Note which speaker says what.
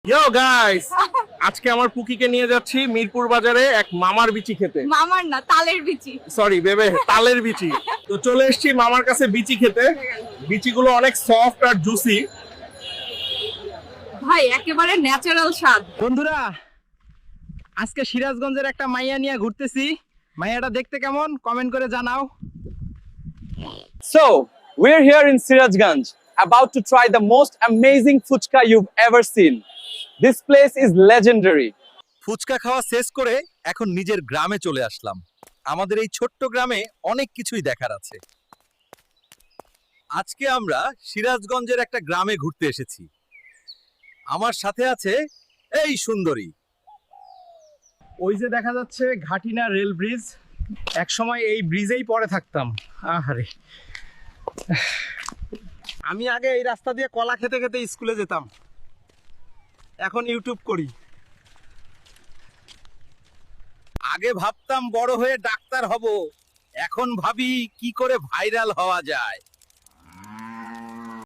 Speaker 1: ইয়ো guys, আজকে আমার পুকিকে নিয়ে যাচ্ছি মিরপুর বাজারে এক মামার বিচি খেতে।
Speaker 2: মামার না, তালের বিচি।
Speaker 1: সরি বেবে, তালের বিচি। তো চলে এসেছি মামার কাছে বিচি খেতে। বিচিগুলো অনেক সফট আর জুসি।
Speaker 2: ভাই একেবারে ন্যাচারাল স্বাদ।
Speaker 3: বন্ধুরা, আজকে সিরাজগঞ্জের একটা মাইয়া নিয়ে ঘুরতেছি। মাইয়াটা দেখতে কেমন কমেন্ট করে জানাও।
Speaker 4: So, we're here in Sirajganj, about to try the most amazing fuchka you've ever seen. This place is legendary.
Speaker 5: Fuchka খাওয়া শেষ করে এখন নিজের গ্রামে চলে আসলাম। আমাদের এই ছোট্ট গ্রামে অনেক কিছুই দেখার আছে। আজকে আমরা সিরাজগঞ্জের একটা গ্রামে ঘুরতে এসেছি। আমার সাথে আছে এই সুন্দরী।
Speaker 3: ওই যে দেখা যাচ্ছে ঘাটিনা রেল ব্রিজ, এক সময় এই ব্রিজেই পড়ে থাকতাম। আহারে, আমি আগে এই রাস্তা দিয়ে কলা খেতে খেতে স্কুলে যেতাম, এখন ইউটিউব করি।
Speaker 5: আগে ভাবতাম বড় হয়ে ডাক্তার হব, এখন ভাবি কি করে ভাইরাল হওয়া যায়।